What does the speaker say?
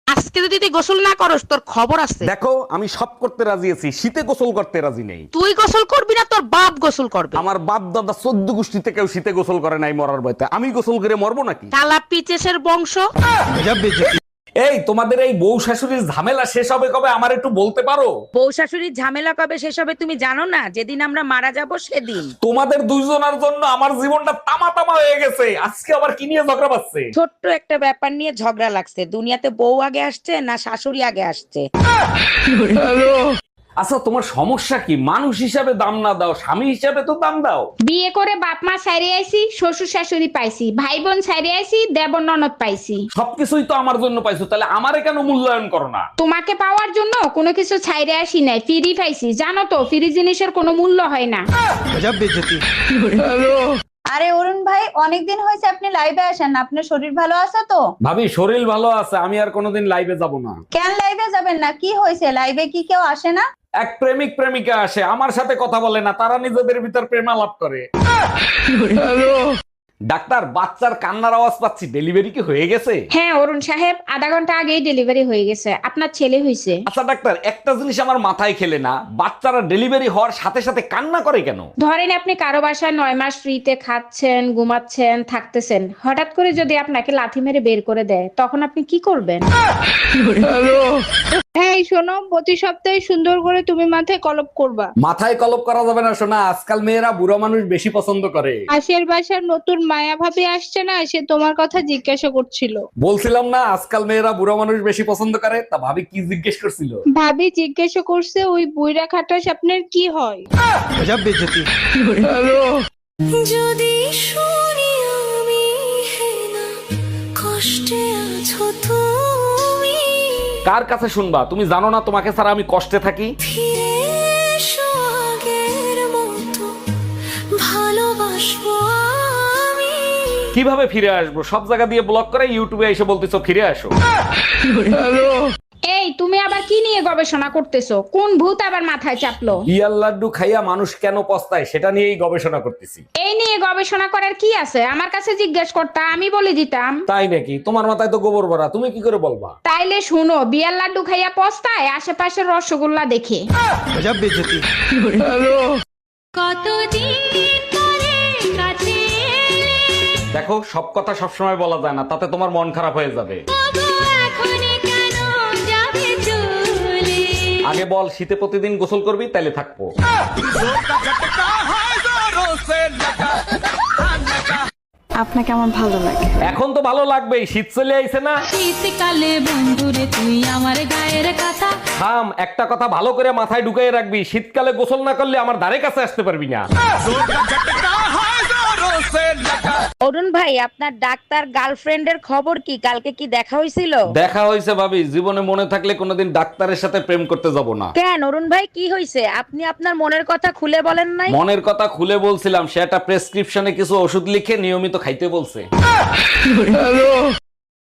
আজকে যদি তুই গোসল না করস তোর খবর আছে। দেখো আমি সব করতে রাজি আছি, শীতে গোসল করতে রাজি নেই। তুই গোসল করবি না তোর বাপ গোসল করবে। আমার বাপ দাদা 14 গোষ্ঠীতে কেউ শীতে গোসল করে নাই মরার ভয়তে, আমি গোসল করে মরবো নাকি? শালা পিচেসের বংশ। এই তোমাদের এই বউ শাশুড়ির ঝামেলা শেষ হবে কবে আমার একটু বলতে পারো? বউ শাশুড়ির ঝামেলা কবে শেষ হবে তুমি জানো না? যেদিন আমরা মারা যাব সেদিন। তোমাদের দুইজনের জন্য আমার জীবনটা তামা তামা হয়ে গেছে, আজকে আবার কি নিয়ে ঝগড়া বাজছে? ছোট্ট একটা ব্যাপার নিয়ে ঝগড়া লাগছে। দুনিয়াতে বউ আগে আসছে না শাশুড়ি আগে আসছে? আচ্ছা তোমার সমস্যা কি? মানুষ হিসাবে দাম না দাও, স্বামী হিসাবে তো দাম দাও। বিয়ে করে বাপ মা ছাইরে আইছি, শ্বশুর শাশুড়ি পাইছি, ভাই বোন ছাইরে আইছি, দেবর ননদ পাইছি। সবকিছুই তো আমার জন্য পাইছো, তাহলে আমারে কেন মূল্যায়ন করো না? তোমাকে পাওয়ার জন্য কোনো কিছু ছাইরে আসি নাই, ফ্রি পাইছি। জানো তো ফ্রি জিনিসের কোনো মূল্য হয় না। আরে অরুণ ভাই, অনেকদিন হয়েছে আপনি লাইভে আসেন না, আপনার শরীর ভালো আছে তো? ভাবি শরীর ভালো আছে, আমি আর কোনোদিন লাইভে যাব না। কেন লাইভে যাবেন না? কি হয়েছে? লাইভে কি কেউ আসে না? এক প্রেমিক প্রেমিকা আসে, আমার সাথে কথা বলে না, তারা নিজেদের ভিতর প্রেমালাপ করে। ডাক্তার, বাচ্চার কান্নার আওয়াজ পাচ্ছি, ডেলিভারি কি হয়ে গেছে? হ্যাঁ অরুণ সাহেব, আধা ঘন্টা আগেই ডেলিভারি হয়ে গেছে। আপনার ছেলে হয়েছে। আচ্ছা ডাক্তার, একটা জিনিস আমার মাথায় খেলে না, বাচ্চারা ডেলিভারি হওয়ার সাথে সাথে কান্না করে কেন? ধরেন আপনি কারো বাসায় 9 মাস ফ্রিতে খাচ্ছেন, ঘুমাচ্ছেন, থাকতেছেন, হঠাৎ করে যদি আপনাকে লাথি মেরে বের করে দেয় তখন আপনি কি করবেন? এই শোনো, প্রতি সপ্তাহে সুন্দর করে তুমি মাথায় কলপ করবা। মাথায় কলপ করা যাবে না শোনা, আজকাল মেয়েরা বুড়ো মানুষ বেশি পছন্দ করে। পাশের বাসার নতুন মায়া ভাবি আসছে না, সে তোমার কথা জিজ্ঞাসা করছিল। বলছিলাম না আজকাল মেয়েরা বুড়ো মানুষ বেশি পছন্দ করে, তা ভাবি কি জিজ্ঞেস করছিল? ভাবি জিজ্ঞাসা করছে ওই বুইরা খাটাস আপনার কি হয়। যদি শুনি আমি হেনা কষ্টে আছো তুমি, কার কাছে শুনবা? তুমি জানো না তোমাকে ছাড়া আমি কষ্টে থাকি? ফিরে এসো আগের মতো ভালোবাসবো আমি। কিভাবে ফিরে আসবো? সব জায়গা দিয়ে ব্লক করে ইউটিউবে এসে বলতেছো ফিরে আসো। এই তুমি আবার কি নিয়ে গবেষণা করতেছো? কোন ভূত আবার মাথায় চাপলো? বিয়ার লাড্ডু খাইয়া মানুষ কেন পস্তায় সেটা নিয়েই গবেষণা করতেছি। এই নিয়ে গবেষণা করার কি আছে? আমার কাছে জিজ্ঞেস করতা, আমি বলে দিতাম। তাই নাকি? তোমার মাথায় তো গোবর ভরা, তুমি কি করে বলবা? তাইলে শুনো, বিয়ার লাড্ডু খাইয়া পস্তায় আশেপাশের রসগোল্লা দেখে। কতদিন পরে কাছে এলে, দেখো সব কথা সবসময় বলা যায় না, তাতে তোমার মন খারাপ হয়ে যাবে। তবু এখনই কেন যাবে চলে? আগে বল, শীতে প্রতিদিন গোসল করবি তাইলে থাকবো। আপনাকে আমার ভালো লাগে। এখন তো ভালো লাগবেই, শীত চলে আইছে না। শীতকালে বন্ধুরে তুই আমার গায়ের কথা। থাম, একটা কথা ভালো করে মাথায় ঢুকাই রাখবি, শীতকালে গোসল না করলে আমার ধারে কাছে আসতে পারবি না। অরুণ ভাই, আপনার ডাক্তার গার্লফ্রেন্ডের খবর কি? কালকে কি দেখা হয়েছিল? দেখা হয়েছে ভাবি, জীবনে মনে থাকলে কোনোদিন ডাক্তারের সাথে প্রেম করতে যাব না। কেন অরুণ ভাই, কি হয়েছে? আপনি আপনার মনের কথা খুলে বলেন নাই। মনের কথা খুলে বলছিলাম, সে একটা প্রেসক্রিপশনে কিছু ওষুধ লিখে নিয়মিত খাইতে বলছে।